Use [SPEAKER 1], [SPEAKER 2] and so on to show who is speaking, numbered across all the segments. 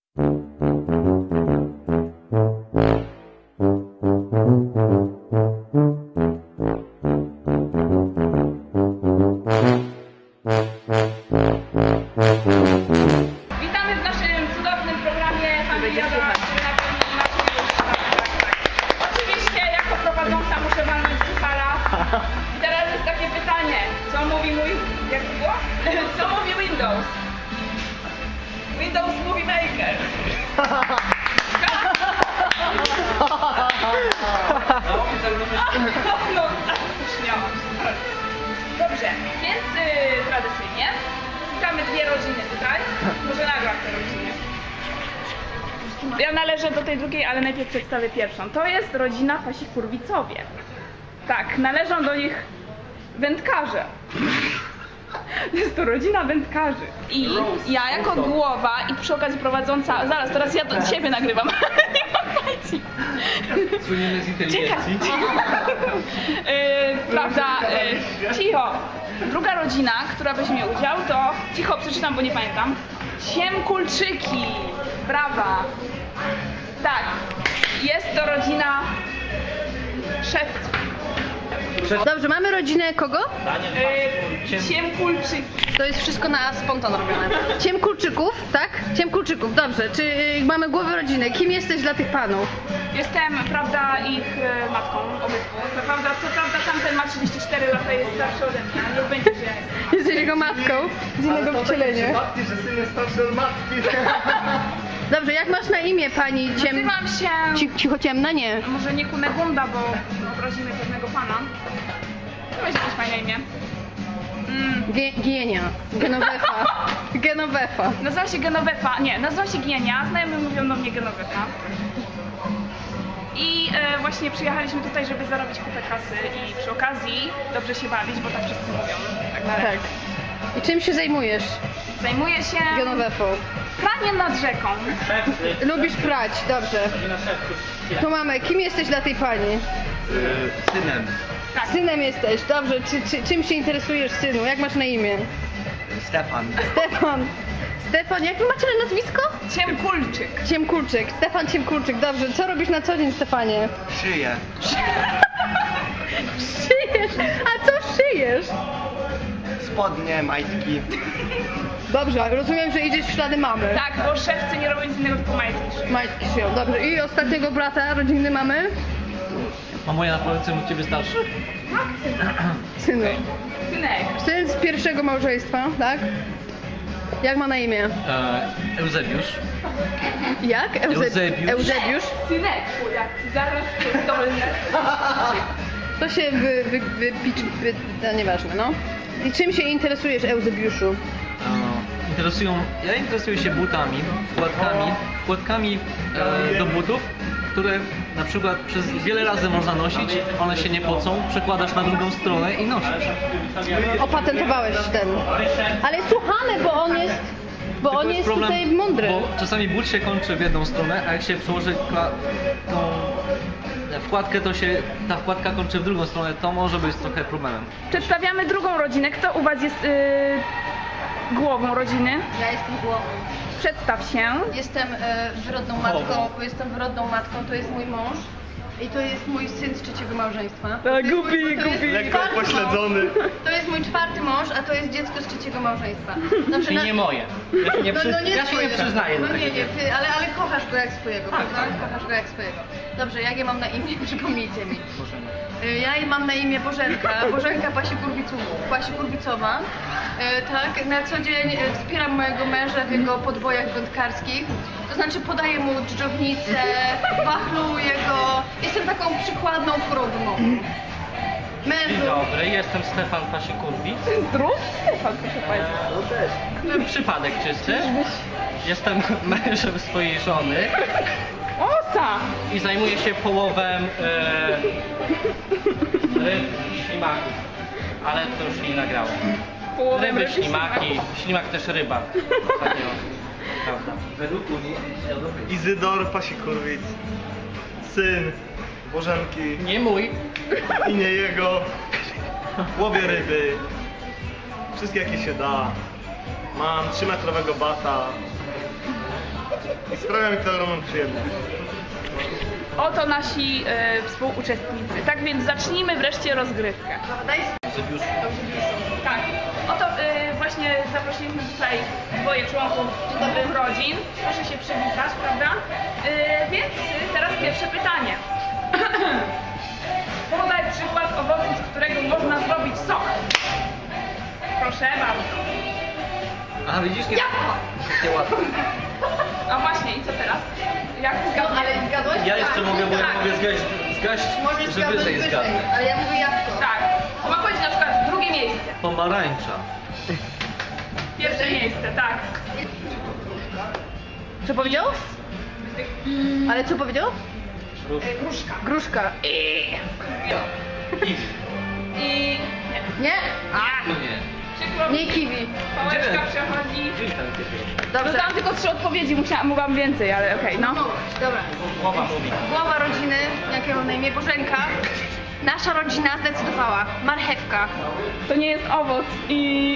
[SPEAKER 1] Witamy w naszym cudownym programie Familiada, który na pewno oczywiście jako prowadząca muszę walnąć suchara. I teraz jest takie pytanie, co mówi mój, jak to było? Co mówi Windows? Windows Movie Maker. No, śmiałam się. Dobrze, więc tradycyjnie witamy dwie rodziny tutaj. Może nagram te rodziny. Ja należę do tej drugiej, ale najpierw przedstawię pierwszą. To jest rodzina Fasikurwicowie. Tak, należą do nich wędkarze. Jest to rodzina wędkarzy. I ja jako głowa i przy okazji prowadząca... Zaraz, teraz ja do siebie nagrywam. Nie pamiętajcie.
[SPEAKER 2] Słynimy z inteligencji.
[SPEAKER 1] Prawda, cicho. Druga rodzina, która weźmie udział, to... Cicho, przeczytam, bo nie pamiętam. Siemkulczyki. Brawa. Tak, jest to rodzina szewców.
[SPEAKER 3] Dobrze, mamy rodzinę kogo?
[SPEAKER 1] Siemkulczyki.
[SPEAKER 3] To jest wszystko na spontan robione. Ciemkulczyków, tak? Ciemkulczyków, dobrze. Czy mamy głowę rodziny? Kim jesteś dla tych panów?
[SPEAKER 1] Jestem, prawda, ich matką, obydwu. Co prawda tamten ma 34 lata, jest starszy ode mnie, ale niech będzie, że ja jestem.
[SPEAKER 3] Jesteś jego matką z innego wcielenia.
[SPEAKER 2] Matki, że syn jest starszy od matki.
[SPEAKER 3] Dobrze, jak masz na imię pani
[SPEAKER 1] Nazywam się...
[SPEAKER 3] Cichociemna? Nie.
[SPEAKER 1] Może nie Kunegunda, bo obrazimy pewnego pana. To jest jakieś fajne imię.
[SPEAKER 3] Gienia. Genovefa. Genovefa.
[SPEAKER 1] Nazywa się Genovefa, nie, nazywa się Gienia, znajomi mówią do mnie Genovefa. I właśnie przyjechaliśmy tutaj, żeby zarobić kupę kasy i przy okazji dobrze się bawić, bo tak wszyscy mówią. Tak na razie.
[SPEAKER 3] Tak. I czym się zajmujesz?
[SPEAKER 1] Zajmuję się
[SPEAKER 3] Genovefą.
[SPEAKER 1] praniem nad rzeką.
[SPEAKER 3] Lubisz prać, dobrze. Tu mamy, kim jesteś dla tej pani?
[SPEAKER 2] Synem.
[SPEAKER 1] Tak.
[SPEAKER 3] Synem jesteś, dobrze. Czym się interesujesz, synu? Jak masz na imię?
[SPEAKER 2] Stefan.
[SPEAKER 3] Stefan. Stefan, jak wy macie na nazwisko?
[SPEAKER 1] Ciemkulczyk.
[SPEAKER 3] Ciemkulczyk. Stefan Ciemkulczyk, dobrze. Co robisz na co dzień, Stefanie?
[SPEAKER 2] Szyję.
[SPEAKER 3] Szyjesz. A co szyjesz?
[SPEAKER 2] Spodnie, majtki.
[SPEAKER 3] Dobrze, rozumiem, że idziesz w ślady mamy.
[SPEAKER 1] Tak, bo szewcy nie robią nic innego, tylko majtki.
[SPEAKER 3] Majtki szyją, dobrze. I ostatniego brata rodzinny mamy?
[SPEAKER 4] A moja na pewno syn od ciebie starszy?
[SPEAKER 3] Synu.
[SPEAKER 1] Synek.
[SPEAKER 3] Syn z pierwszego małżeństwa, tak? Jak ma na imię?
[SPEAKER 4] Eusebiusz.
[SPEAKER 3] Jak?
[SPEAKER 4] Eusebiusz.
[SPEAKER 3] Eusebiusz?
[SPEAKER 1] Synek, jak zaraz dolne.
[SPEAKER 3] To się no nieważne, no. I czym się interesujesz, Eusebiuszu?
[SPEAKER 4] Ja interesuję się butami, wkładkami do butów, które na przykład przez wiele razy można nosić, one się nie pocą, przekładasz na drugą stronę i nosisz.
[SPEAKER 3] Opatentowałeś ten. Ale słuchamy, bo on jest... Bo
[SPEAKER 4] Tylko
[SPEAKER 3] on jest
[SPEAKER 4] problem,
[SPEAKER 3] tutaj mądry.
[SPEAKER 4] Bo czasami but się kończy w jedną stronę, a jak się przełoży tą wkładkę, to się ta wkładka kończy w drugą stronę, to może być trochę problemem.
[SPEAKER 1] Przedstawiamy drugą rodzinę. Kto u was jest głową rodziny?
[SPEAKER 3] Ja jestem głową.
[SPEAKER 1] Przedstaw się.
[SPEAKER 3] Jestem wyrodną matką, to jest mój mąż. I to jest mój syn z trzeciego małżeństwa.
[SPEAKER 1] Gubi.
[SPEAKER 2] Lekko pośledzony.
[SPEAKER 3] To jest mój czwarty mąż, a to jest dziecko z trzeciego małżeństwa. Dobrze,
[SPEAKER 4] Czyli nie moje. Ja się nie przyznaję.
[SPEAKER 3] No
[SPEAKER 4] do
[SPEAKER 3] nie,
[SPEAKER 4] takiego.
[SPEAKER 3] ty, ale kochasz go jak swojego, prawda? Kochasz go jak swojego. Dobrze, jakie mam na imię? Przypomnijcie mi. Ja mam na imię Bożenka, Bożenka Pasikurwicowa. Tak, na co dzień wspieram mojego męża w jego podbojach wędkarskich. To znaczy podaję mu dżdżownicę, wachluję go. Jestem taką przykładną krówną.
[SPEAKER 4] Dzień dobry, jestem Stefan Pasikurwic.
[SPEAKER 1] Drugi Stefan, proszę państwa.
[SPEAKER 4] Przypadek czysty. Jestem mężem swojej żony
[SPEAKER 1] Osa!
[SPEAKER 4] i zajmuję się połowem ryb i ślimaków. Ale to już nie nagrałem. Ryby, ślimaki, ślimak też ryba. Takiego, prawda. Według Unii
[SPEAKER 2] Izydor Pasikurwic. Syn Bożenki
[SPEAKER 4] nie mój.
[SPEAKER 2] i nie jego. Łowię ryby. Wszystkie jakie się da. Mam 3-metrowego bata. I sprawia mi to ogromną przyjemność.
[SPEAKER 1] Oto nasi współuczestnicy. Tak więc zacznijmy wreszcie rozgrywkę.
[SPEAKER 3] Daj
[SPEAKER 1] Tak. Oto właśnie zaprosiliśmy tutaj dwoje członków nowych rodzin. Proszę się przywitać, prawda? Więc teraz pierwsze pytanie. Podaj przykład owocu, z którego można zrobić sok. Proszę bardzo.
[SPEAKER 4] A widzisz,
[SPEAKER 3] Jabłko!
[SPEAKER 4] nie łatwo.
[SPEAKER 1] A właśnie, i co teraz? Jak
[SPEAKER 3] No
[SPEAKER 1] zgadniesz?
[SPEAKER 3] ale zgadłeś?
[SPEAKER 4] Ja jeszcze mogę, bo ja
[SPEAKER 1] Tak.
[SPEAKER 4] mogę zgaść,
[SPEAKER 3] Możesz
[SPEAKER 4] że
[SPEAKER 3] zgadnąć
[SPEAKER 4] wyżej
[SPEAKER 3] wyżej,
[SPEAKER 4] zgadnę.
[SPEAKER 3] ale ja mówię jabłko.
[SPEAKER 1] Tak. Ma powiedzieć na przykład drugie miejsce.
[SPEAKER 4] Pomarańcza.
[SPEAKER 1] Pierwsze miejsce, tak.
[SPEAKER 3] Co powiedział? Ale co powiedział?
[SPEAKER 1] Gruszka.
[SPEAKER 3] Gruszka.
[SPEAKER 4] Kiwi.
[SPEAKER 1] I...
[SPEAKER 3] Nie?
[SPEAKER 4] No nie.
[SPEAKER 1] Przykro mi,
[SPEAKER 3] Nie kiwi.
[SPEAKER 1] pałeczka
[SPEAKER 4] Gdzie?
[SPEAKER 1] przechodzi.
[SPEAKER 4] Gdzieś tam kiwi.
[SPEAKER 3] Dobrze.
[SPEAKER 1] Dodałam tylko 3 odpowiedzi, mogłam więcej, ale okej, no.
[SPEAKER 3] Dobra.
[SPEAKER 4] Głowa mówi.
[SPEAKER 3] Głowa rodziny, jakie mam na imię, Bożenka. Nasza rodzina zdecydowała. Marchewka.
[SPEAKER 1] To nie jest owoc i...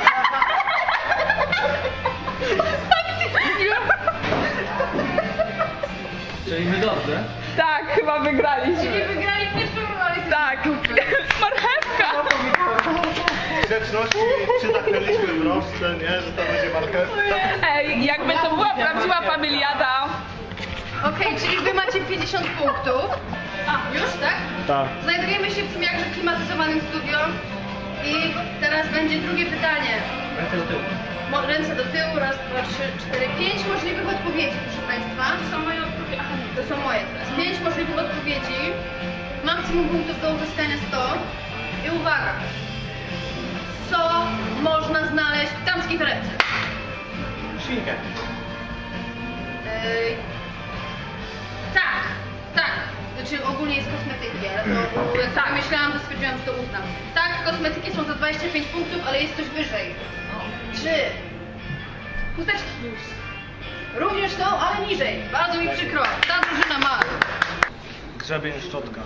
[SPEAKER 4] Czyli my dobrze.
[SPEAKER 1] Tak, chyba wygraliśmy.
[SPEAKER 3] Nie wygrali pierwszą rolę.
[SPEAKER 1] Tak. Marchewka.
[SPEAKER 2] Grzeczności przytaknęliśmy w rożce, nie? Że to będzie marchewka.
[SPEAKER 1] Ej, jakby to była prawdziwa familiada.
[SPEAKER 3] Okej, czyli wy macie 50 punktów. A, już, tak?
[SPEAKER 2] Tak.
[SPEAKER 3] Znajdujemy się w tym jakże klimatyzowanym studio. I teraz będzie drugie pytanie.
[SPEAKER 4] Ręce do tyłu.
[SPEAKER 3] Ręce do tyłu, raz, dwa, trzy, cztery, 5 możliwych odpowiedzi, proszę Państwa.
[SPEAKER 1] To są moje odpowiedzi. Aha,
[SPEAKER 3] To są moje teraz. 5 możliwych odpowiedzi. Maksimum punktów do uzyskania 100. I uwaga. Co można znaleźć w damskiej torebce?
[SPEAKER 2] Szynkę.
[SPEAKER 3] Tak, tak. Znaczy ogólnie jest kosmetyki, ale to jak tak myślałam, to stwierdziłam, że to uznam. Tak, kosmetyki są za 25 punktów, ale jest coś wyżej. Czy chusteczki również są, ale niżej. Bardzo mi przykro. Ta drużyna ma.
[SPEAKER 2] Grzebień, szczotka.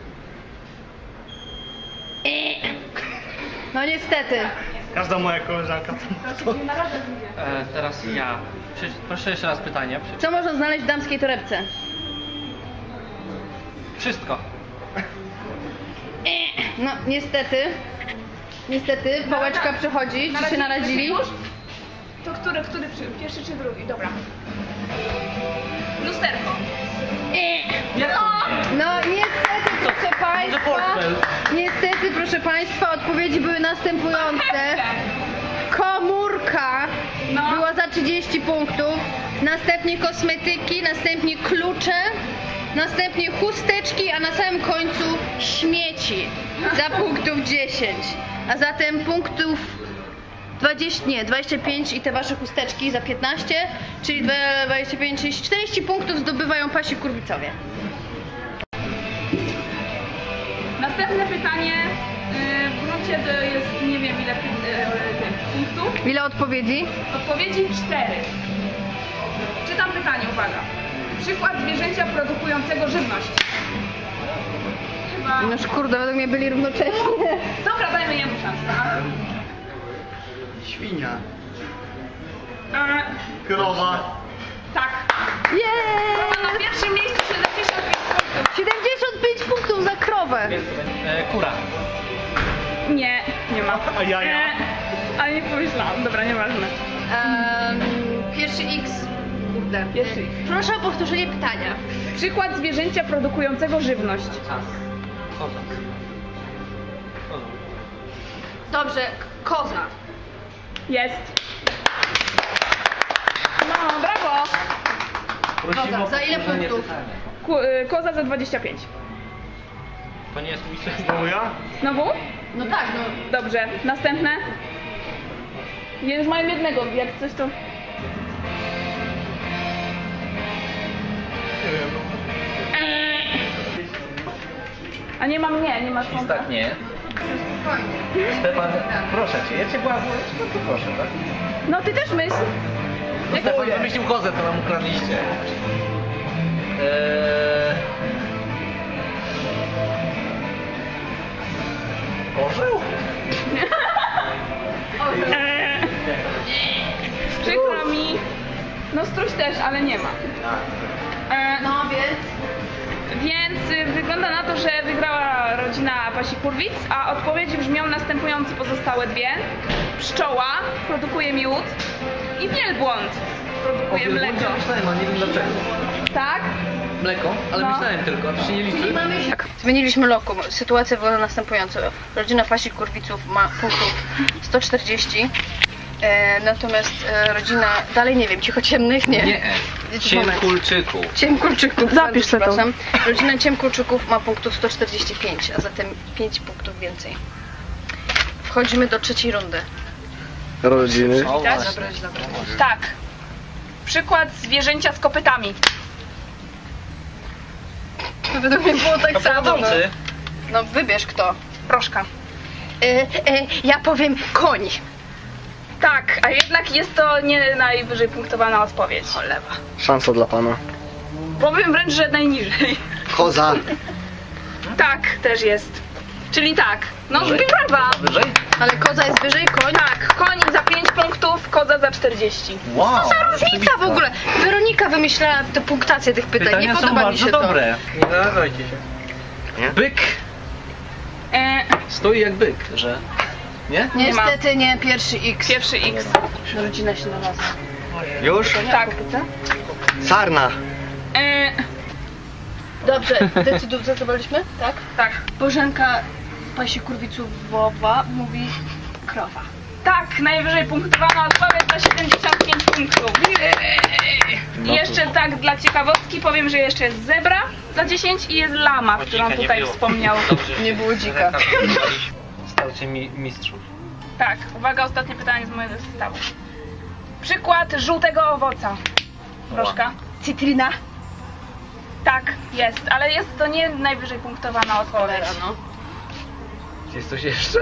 [SPEAKER 3] No niestety.
[SPEAKER 2] Każda moja koleżanka to...
[SPEAKER 4] Teraz ja. Proszę jeszcze raz pytanie.
[SPEAKER 3] Co można znaleźć w damskiej torebce?
[SPEAKER 4] Wszystko.
[SPEAKER 3] No niestety. Niestety, pałeczka przechodzi. Czy się naradzili?
[SPEAKER 1] Już? To który pierwszy czy drugi? Dobra. Lusterko.
[SPEAKER 4] Jak to nie?
[SPEAKER 3] No niestety, proszę Państwa.
[SPEAKER 4] portfel.
[SPEAKER 3] Niestety, proszę Państwa, odpowiedzi były następujące. Komórka
[SPEAKER 1] No.
[SPEAKER 3] była za 30 punktów, następnie kosmetyki, następnie klucze, następnie chusteczki, a na samym końcu śmieci za punktów 10. A zatem punktów 25 i te wasze chusteczki za 15, czyli 25, czyli 40 punktów zdobywają pasi kurwicowie.
[SPEAKER 1] Następne pytanie. W gruncie to jest nie wiem ile tych punktów.
[SPEAKER 3] Ile odpowiedzi?
[SPEAKER 1] Odpowiedzi 4. Czytam pytanie, uwaga. Przykład zwierzęcia produkującego żywność. Chyba...
[SPEAKER 3] Noż kurde, według mnie byli równocześnie.
[SPEAKER 1] Dobra, dajmy jemu szansę.
[SPEAKER 2] Świnia.
[SPEAKER 1] E,
[SPEAKER 2] Krowa.
[SPEAKER 1] tak.
[SPEAKER 3] Jeee!
[SPEAKER 1] Na pierwszym miejscu 75 punktów.
[SPEAKER 3] 75 punktów za krowę.
[SPEAKER 4] Kura.
[SPEAKER 1] Nie, nie ma.
[SPEAKER 2] A jaja?
[SPEAKER 1] Ale nie pomyślałam. Dobra, nieważne.
[SPEAKER 3] Pierwszy X. Kurde.
[SPEAKER 1] Pierwszy X.
[SPEAKER 3] Proszę o powtórzenie pytania.
[SPEAKER 1] Przykład zwierzęcia produkującego żywność.
[SPEAKER 4] Czas. Koza. Koza.
[SPEAKER 3] Dobrze, koza.
[SPEAKER 1] Jest. No, brawo.
[SPEAKER 4] Prosimy
[SPEAKER 3] Koza,
[SPEAKER 4] o
[SPEAKER 3] za ile
[SPEAKER 4] powtórzenie
[SPEAKER 3] punktów?
[SPEAKER 4] pytania.
[SPEAKER 1] Koza za 25.
[SPEAKER 4] To nie jest mój sens.
[SPEAKER 2] Znowu ja?
[SPEAKER 1] Znowu?
[SPEAKER 3] No tak, no.
[SPEAKER 1] Dobrze. Następne? Ja już mam jednego, jak coś to...
[SPEAKER 2] Nie wiem.
[SPEAKER 1] A nie mam nie ma słonka.
[SPEAKER 4] Tak, nie.
[SPEAKER 3] Spokojnie.
[SPEAKER 4] Stefan, proszę cię, ja cię błagam, to proszę, tak?
[SPEAKER 1] No ty też myśl.
[SPEAKER 4] Stefan wymyślił kozę, to nam ukradliście. Orzeł?
[SPEAKER 1] Przykro mi. No struś też, ale nie ma.
[SPEAKER 3] No więc...
[SPEAKER 1] Więc wygląda na to, że wygrała rodzina Pasi-Kurwic, a odpowiedzi brzmią następujące pozostałe dwie. Pszczoła produkuje miód i wielbłąd produkuje mleko.
[SPEAKER 4] Myślałem, a nie wiem dlaczego.
[SPEAKER 1] Tak?
[SPEAKER 4] Mleko? Ale
[SPEAKER 1] No.
[SPEAKER 4] myślałem tylko, a to się nie liczy.
[SPEAKER 3] Zmieniliśmy lokum. Sytuacja wygląda następująco. Rodzina Pasi-Kurwiców ma punktów 140. Natomiast rodzina, dalej nie wiem, ciemnych nie.
[SPEAKER 4] Nie. Ciemkulczyku.
[SPEAKER 3] Ciemkulczyków,
[SPEAKER 1] Zapisz sobie to.
[SPEAKER 3] przepraszam. Rodzina Ciemkulczyków ma punktów 145, a zatem 5 punktów więcej. Wchodzimy do trzeciej rundy.
[SPEAKER 2] Rodziny.
[SPEAKER 4] O,
[SPEAKER 3] Tak?
[SPEAKER 4] właśnie.
[SPEAKER 3] Dobra.
[SPEAKER 1] Tak. Przykład zwierzęcia z kopytami.
[SPEAKER 3] Według mnie było tak samo.
[SPEAKER 4] Prowadzący.
[SPEAKER 3] No wybierz kto.
[SPEAKER 1] Proszka.
[SPEAKER 3] Ja powiem koń.
[SPEAKER 1] Tak, a jednak jest to nie najwyżej punktowana odpowiedź.
[SPEAKER 3] Cholewa.
[SPEAKER 2] Szansa dla pana.
[SPEAKER 1] Powiem wręcz, że najniżej.
[SPEAKER 2] Koza.
[SPEAKER 1] Tak, też jest. Czyli tak. No brawa.
[SPEAKER 4] Wyżej?
[SPEAKER 3] Ale koza jest wyżej, koń?
[SPEAKER 1] Tak, koń za 5 punktów, koza za 40.
[SPEAKER 4] Wow.
[SPEAKER 3] Co za różnica w ogóle? Weronika wymyślała tę punktację tych pytań.
[SPEAKER 4] Pytania
[SPEAKER 3] Nie
[SPEAKER 4] są
[SPEAKER 3] podoba mi
[SPEAKER 4] bardzo
[SPEAKER 3] się
[SPEAKER 4] dobre. Nie narażajcie się. Byk stoi jak byk, że... Nie?
[SPEAKER 3] to.
[SPEAKER 1] Nie ma.
[SPEAKER 3] Niestety nie pierwszy X.
[SPEAKER 1] Pierwszy X.
[SPEAKER 3] Rodzina się znalazła.
[SPEAKER 2] Już?
[SPEAKER 1] Tak.
[SPEAKER 2] Sarna.
[SPEAKER 3] Dobrze, zdecydowaliśmy? Tak?
[SPEAKER 1] Tak.
[SPEAKER 3] Bożenka Pasi-Kurwicowa mówi krowa.
[SPEAKER 1] Tak, najwyżej punktowana odpowiedź za 75 punktów. I jeszcze tak dla ciekawostki powiem, że jeszcze jest zebra za 10 i jest lama, którą tutaj wspomniał.
[SPEAKER 3] Nie było dzika.
[SPEAKER 4] Stałcie mistrzów.
[SPEAKER 1] Tak, uwaga, ostatnie pytanie z mojego zestawu. Przykład żółtego owoca. Proszka.
[SPEAKER 3] Cytryna.
[SPEAKER 1] Tak, jest, ale jest to nie najwyżej punktowana odpowiedź.
[SPEAKER 3] No.
[SPEAKER 4] Jest coś jeszcze?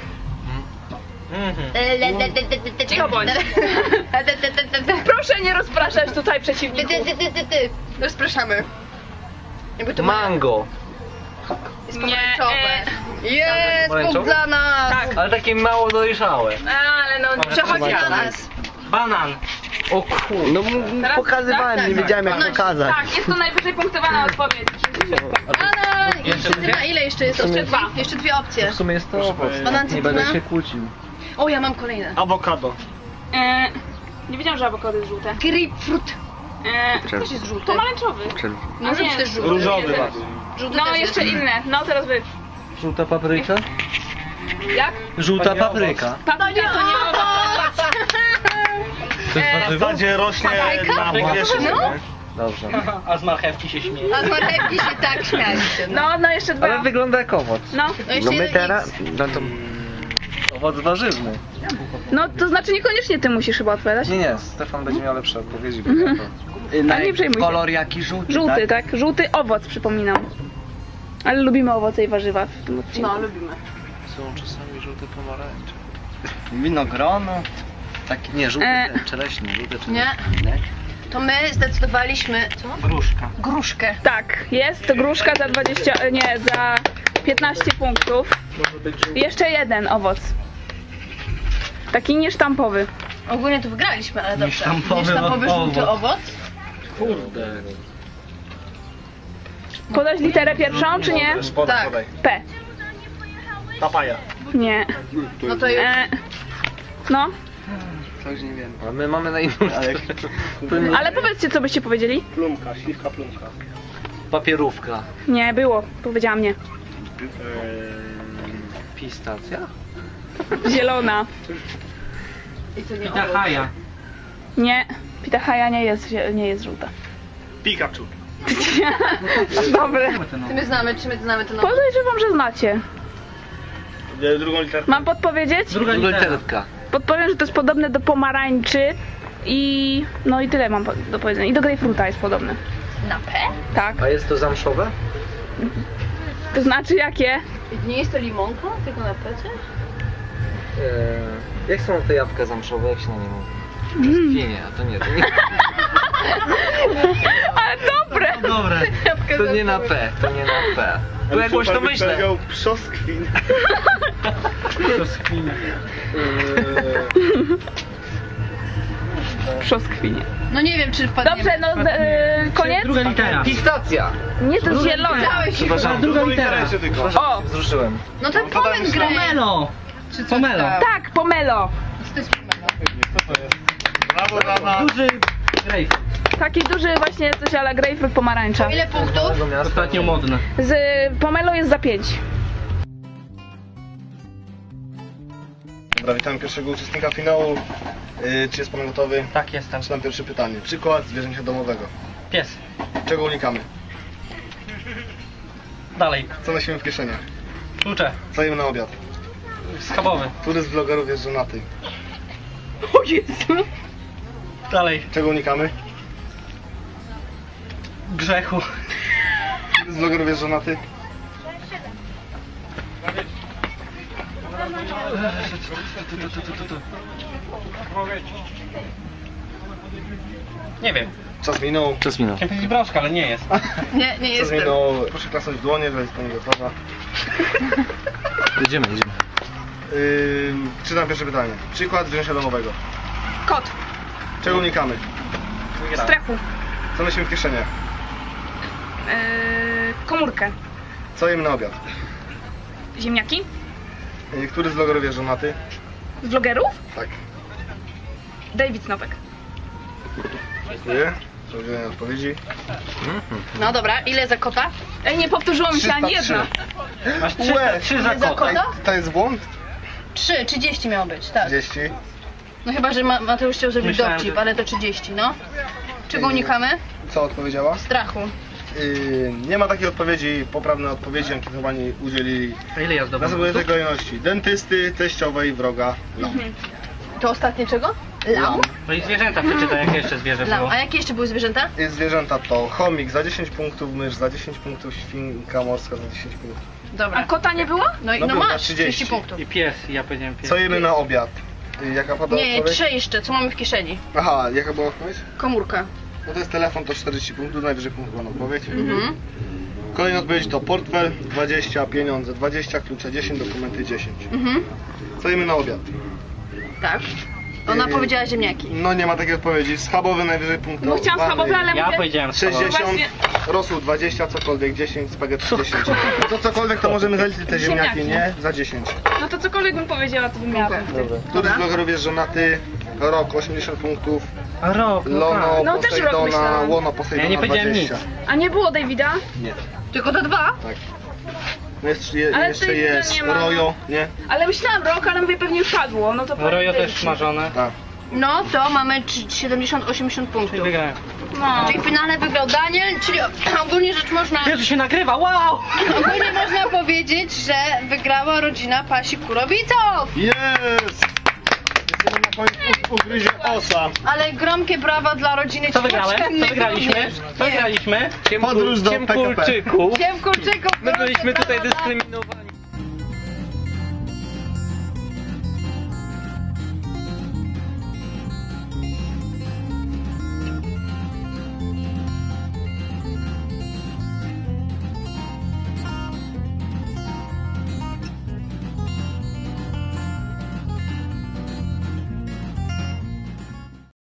[SPEAKER 1] Cicho bądź. Proszę nie rozpraszać tutaj przeciwników.
[SPEAKER 3] Rozpraszamy. Jakby to
[SPEAKER 4] Mango.
[SPEAKER 3] jest
[SPEAKER 1] Nie,
[SPEAKER 3] pomarańczowe. Jest
[SPEAKER 4] Pomarańczowe?
[SPEAKER 3] punkt dla nas.
[SPEAKER 1] Tak.
[SPEAKER 4] Ale takie mało dojrzałe.
[SPEAKER 1] Ale no,
[SPEAKER 3] Przechodzi dla nas.
[SPEAKER 4] Banan. O kur...
[SPEAKER 2] No
[SPEAKER 1] Teraz
[SPEAKER 2] pokazywałem,
[SPEAKER 3] tak,
[SPEAKER 2] nie
[SPEAKER 3] tak.
[SPEAKER 2] wiedziałem jak
[SPEAKER 3] No,
[SPEAKER 2] pokazać.
[SPEAKER 1] tak, jest to najwyżej punktowana odpowiedź.
[SPEAKER 3] Banan! I cytryna, ile jeszcze jest?
[SPEAKER 1] Jeszcze dwa.
[SPEAKER 3] Jeszcze dwie opcje.
[SPEAKER 4] W sumie jest to owoc.
[SPEAKER 3] Banan,
[SPEAKER 4] Nie
[SPEAKER 3] cytryna?
[SPEAKER 4] będę się kłócił.
[SPEAKER 3] O, ja mam kolejne.
[SPEAKER 2] Awokado.
[SPEAKER 1] Nie wiedziałam, że awokado jest żółte.
[SPEAKER 3] Grapefruit. Też jest żółty.
[SPEAKER 1] Pomarańczowy.
[SPEAKER 3] Może być też żółty.
[SPEAKER 2] Różowy
[SPEAKER 1] Nie,
[SPEAKER 2] bardziej.
[SPEAKER 3] Żółty
[SPEAKER 1] No,
[SPEAKER 3] też
[SPEAKER 1] jeszcze
[SPEAKER 3] jest.
[SPEAKER 1] inne. No, teraz wy.
[SPEAKER 4] Żółta papryka?
[SPEAKER 1] Jak?
[SPEAKER 4] Żółta papryka.
[SPEAKER 1] Papryka to nie owoc.
[SPEAKER 4] To jest
[SPEAKER 2] W
[SPEAKER 4] warzywo?
[SPEAKER 2] zasadzie rośnie na
[SPEAKER 3] No.
[SPEAKER 2] powierzchni.
[SPEAKER 3] No.
[SPEAKER 4] Dobrze.
[SPEAKER 5] A z marchewki się śmieje.
[SPEAKER 3] A z marchewki się tak śmialiście.
[SPEAKER 1] No, jeszcze dwa.
[SPEAKER 4] Ale wygląda jak owoc.
[SPEAKER 1] No.
[SPEAKER 3] No jeszcze jeden X.
[SPEAKER 2] no to
[SPEAKER 4] Owoc warzywny.
[SPEAKER 1] No, to znaczy niekoniecznie ty musisz chyba odpowiadać.
[SPEAKER 4] Nie, Stefan będzie miał lepsze odpowiedzi.
[SPEAKER 1] A nie przejmuj się.
[SPEAKER 5] Kolor jaki żółty,
[SPEAKER 1] Żółty, tak? Żółty owoc, przypominam. Ale lubimy owoce i warzywa w tym odcinku.
[SPEAKER 3] No, lubimy.
[SPEAKER 4] Są czasami żółte pomarańcze.
[SPEAKER 5] Winogrono. Takie
[SPEAKER 4] Nie, żółte
[SPEAKER 1] E.
[SPEAKER 4] czereśnie, żółte czereśnie.
[SPEAKER 3] Nie. To my zdecydowaliśmy... Co?
[SPEAKER 5] gruszka.
[SPEAKER 3] Gruszkę.
[SPEAKER 1] Tak, jest to gruszka za 20, nie, za 15 punktów. Jeszcze jeden owoc. Taki niesztampowy.
[SPEAKER 3] Ogólnie to wygraliśmy, ale dobrze.
[SPEAKER 5] Niesztampowy
[SPEAKER 3] Niesztampowy żółty
[SPEAKER 5] owoc.
[SPEAKER 3] owoc.
[SPEAKER 4] Kurde.
[SPEAKER 1] Podać literę pierwszą, czy nie?
[SPEAKER 3] Tak.
[SPEAKER 2] podaj.
[SPEAKER 1] P.
[SPEAKER 2] Papaja.
[SPEAKER 1] Nie.
[SPEAKER 3] No to już...
[SPEAKER 1] No,
[SPEAKER 5] Coś nie wiem.
[SPEAKER 4] A my mamy na inną
[SPEAKER 1] ale powiedzcie, co byście powiedzieli.
[SPEAKER 2] Plumka, śliwka plumka.
[SPEAKER 4] Papierówka.
[SPEAKER 1] Nie, było. Powiedziałam nie.
[SPEAKER 4] Pistacja?
[SPEAKER 1] Zielona.
[SPEAKER 3] I to nie
[SPEAKER 5] Pita
[SPEAKER 3] owoc.
[SPEAKER 5] haja.
[SPEAKER 1] Nie. Pitahaja nie jest żółta.
[SPEAKER 2] Pikachu.
[SPEAKER 1] Dobre.
[SPEAKER 3] Czy my znamy ten owoc?
[SPEAKER 1] Podejrzewam, że znacie.
[SPEAKER 2] Drugą literkę.
[SPEAKER 1] Mam podpowiedzieć?
[SPEAKER 5] Druga litera.
[SPEAKER 4] Literka.
[SPEAKER 1] Podpowiem, że to jest podobne do pomarańczy i... no i tyle mam do powiedzenia. I do grejpfruta jest podobne.
[SPEAKER 3] Na P?
[SPEAKER 1] Tak.
[SPEAKER 4] A jest to zamszowe?
[SPEAKER 1] To znaczy jakie?
[SPEAKER 3] Nie jest to limonka, tylko na P?
[SPEAKER 4] Jak są te jabłka zamszowe? Jak się na nie mówi? Brzoskwinię, a to nie. To nie,
[SPEAKER 1] Ale dobre!
[SPEAKER 5] Dobre.
[SPEAKER 4] to nie na P. To nie na P. Bo jakoś to myślę.
[SPEAKER 2] Powiedział przoskwin.
[SPEAKER 1] Brzoskwinie.
[SPEAKER 3] No nie wiem, czy wpadnie.
[SPEAKER 1] Dobrze, no koniec?
[SPEAKER 6] Druga litera.
[SPEAKER 5] Pistacja.
[SPEAKER 1] Nie, to zielone.
[SPEAKER 3] Dałeś się.
[SPEAKER 6] Przepraszam, druga litera.
[SPEAKER 2] Jeszcze tylko.
[SPEAKER 1] O,
[SPEAKER 4] Wzruszyłem.
[SPEAKER 3] No ten pomen graj.
[SPEAKER 6] Pomelo.
[SPEAKER 3] Czy coś
[SPEAKER 6] Pomelo.
[SPEAKER 3] tak?
[SPEAKER 1] tak, pomelo.
[SPEAKER 3] Co to jest pomelo?
[SPEAKER 2] Co to jest? Brawo, Dana.
[SPEAKER 6] Duży grejpfrut.
[SPEAKER 1] Taki duży właśnie coś ala grejpfrut pomarańcza.
[SPEAKER 3] Ile punktów?
[SPEAKER 6] Ostatnio modne.
[SPEAKER 1] Z pomelo jest za 5.
[SPEAKER 2] Dobra, witamy pierwszego uczestnika finału. Czy jest pan gotowy?
[SPEAKER 5] Tak, jestem.
[SPEAKER 2] Zaczynam pierwsze pytanie. Przykład zwierzęcia domowego.
[SPEAKER 5] Pies.
[SPEAKER 2] Czego unikamy?
[SPEAKER 5] Dalej.
[SPEAKER 2] Co nosimy w kieszeniach?
[SPEAKER 5] Klucze.
[SPEAKER 2] Co jemy na obiad?
[SPEAKER 5] Schabowy.
[SPEAKER 2] Który z vlogerów jest żonaty?
[SPEAKER 1] O Jezu.
[SPEAKER 5] Dalej.
[SPEAKER 2] Czego unikamy?
[SPEAKER 5] Grzechu.
[SPEAKER 2] Który z vlogerów jest żonaty?
[SPEAKER 5] Nie wiem.
[SPEAKER 2] Czas minął.
[SPEAKER 4] Czas minął.
[SPEAKER 5] Chciałem powiedzieć brączka, ale nie jest.
[SPEAKER 3] Nie, nie
[SPEAKER 2] Czas
[SPEAKER 3] jestem.
[SPEAKER 2] minął. Proszę klasnąć w dłonie, że jest pani gotowa.
[SPEAKER 4] Jedziemy.
[SPEAKER 2] Czytam pierwsze pytanie. Przykład zwierzęcia domowego.
[SPEAKER 1] Kot.
[SPEAKER 2] Czego unikamy?
[SPEAKER 1] Strechu.
[SPEAKER 2] Co nosimy w kieszeniach?
[SPEAKER 1] Komórkę.
[SPEAKER 2] Co jemy na obiad?
[SPEAKER 1] Ziemniaki.
[SPEAKER 2] Który z vlogerów jest żonaty?
[SPEAKER 1] Z vlogerów?
[SPEAKER 2] Tak.
[SPEAKER 1] David Snopek.
[SPEAKER 2] Dziękuję. Za udzielenie odpowiedzi.
[SPEAKER 3] No dobra, ile za kota?
[SPEAKER 1] Ej, nie powtórzyło mi się ani
[SPEAKER 2] 303.
[SPEAKER 1] jedna.
[SPEAKER 5] Masz
[SPEAKER 2] Łe.
[SPEAKER 5] 3 za
[SPEAKER 3] Za
[SPEAKER 5] kota.
[SPEAKER 3] kota?
[SPEAKER 2] To jest błąd?
[SPEAKER 3] 3, 30 miało być, tak.
[SPEAKER 2] 30.
[SPEAKER 3] No chyba, że Mateusz chciał zrobić
[SPEAKER 5] Myślałem,
[SPEAKER 3] dowcip,
[SPEAKER 5] że-
[SPEAKER 3] ale to 30, no. Czego unikamy?
[SPEAKER 2] Co odpowiedziała?
[SPEAKER 3] Strachu.
[SPEAKER 2] Nie ma takiej odpowiedzi. Poprawne odpowiedzi ankietowani udzielili
[SPEAKER 5] A ile ja
[SPEAKER 2] na
[SPEAKER 5] zdobyłem?
[SPEAKER 2] następującej kolejności. Dentysty, teściowej, wroga, lam.
[SPEAKER 3] To ostatnie czego? Lam?
[SPEAKER 5] No i zwierzęta przeczytaj, jakie jeszcze zwierzę
[SPEAKER 3] Lam.
[SPEAKER 5] było.
[SPEAKER 3] A jakie jeszcze były zwierzęta?
[SPEAKER 2] Zwierzęta to chomik za 10 punktów, mysz za 10 punktów, świnka morska za 10 punktów.
[SPEAKER 3] Dobra.
[SPEAKER 1] A kota nie było?
[SPEAKER 3] No i
[SPEAKER 2] No
[SPEAKER 3] no
[SPEAKER 2] było na
[SPEAKER 3] masz
[SPEAKER 2] 30.
[SPEAKER 3] 30 punktów.
[SPEAKER 5] I pies, ja powiedziałem pies.
[SPEAKER 2] Co jemy na obiad? Jaka pada
[SPEAKER 3] Nie,
[SPEAKER 2] odpowiedź?
[SPEAKER 3] 3 jeszcze, co mamy w kieszeni?
[SPEAKER 2] Aha, jaka była odpowiedź?
[SPEAKER 3] Komórka.
[SPEAKER 2] No to jest telefon, to 40 punktów, najwyżej punkt była na odpowiedź.
[SPEAKER 3] Mhm.
[SPEAKER 2] Kolejna odpowiedź to portfel 20, pieniądze 20, klucze 10, dokumenty 10.
[SPEAKER 3] Mhm.
[SPEAKER 2] Co jemy na obiad?
[SPEAKER 3] Tak. Ona
[SPEAKER 2] Yy,
[SPEAKER 3] powiedziała ziemniaki.
[SPEAKER 2] No nie ma takiej odpowiedzi. Schabowy najwyżej punkt.
[SPEAKER 1] Bo chciałam schabowe, ale
[SPEAKER 5] Ja
[SPEAKER 1] mówię...
[SPEAKER 5] powiedziałem schabowy.
[SPEAKER 2] 60,
[SPEAKER 1] Właśnie-
[SPEAKER 2] rosół 20, cokolwiek 10, spaghetti 10. To cokolwiek to możemy zaliczyć te ziemniaki,
[SPEAKER 1] Ziemniaki.
[SPEAKER 2] nie? Za 10.
[SPEAKER 1] No to cokolwiek bym powiedziała, to bym miała punkty.
[SPEAKER 2] Który z vlogerów jest żonaty? Rok 80 punktów,
[SPEAKER 5] A rok,
[SPEAKER 2] Lono,
[SPEAKER 1] No, też rok
[SPEAKER 2] Posejdona,
[SPEAKER 1] myślałam.
[SPEAKER 2] Łono, Posejdona
[SPEAKER 5] Ja nie powiedziałem
[SPEAKER 2] 20.
[SPEAKER 5] nic.
[SPEAKER 1] A nie było Davida?
[SPEAKER 2] Nie,
[SPEAKER 3] Tylko te 2?
[SPEAKER 2] tak. No
[SPEAKER 1] Ale
[SPEAKER 2] jeszcze
[SPEAKER 1] tej
[SPEAKER 2] jest
[SPEAKER 1] nie ma.
[SPEAKER 2] Rojo, nie?
[SPEAKER 1] Ale myślałam rok, ale mówię pewnie już padło. No to
[SPEAKER 5] Rojo
[SPEAKER 1] David.
[SPEAKER 5] też smażone.
[SPEAKER 2] Tak.
[SPEAKER 3] No to mamy 70-80 punktów.
[SPEAKER 5] Wygrałem.
[SPEAKER 1] No.
[SPEAKER 3] Czyli w finale wygrał Daniel, czyli ogólnie rzecz można...
[SPEAKER 5] Jezu, się nagrywa, wow!
[SPEAKER 3] Ogólnie można powiedzieć, że wygrała rodzina Pasi Kurowiców!
[SPEAKER 2] Jest! Jesteśmy na końcu ugryzie osa.
[SPEAKER 3] Ale gromkie brawa dla rodziny
[SPEAKER 5] Co wygrałem? Co wygraliśmy? Co wygraliśmy?
[SPEAKER 2] Podróż do PKP.
[SPEAKER 5] Ciemkurczyków.
[SPEAKER 3] Ciemkurczyków!
[SPEAKER 5] My byliśmy tutaj dyskryminowani.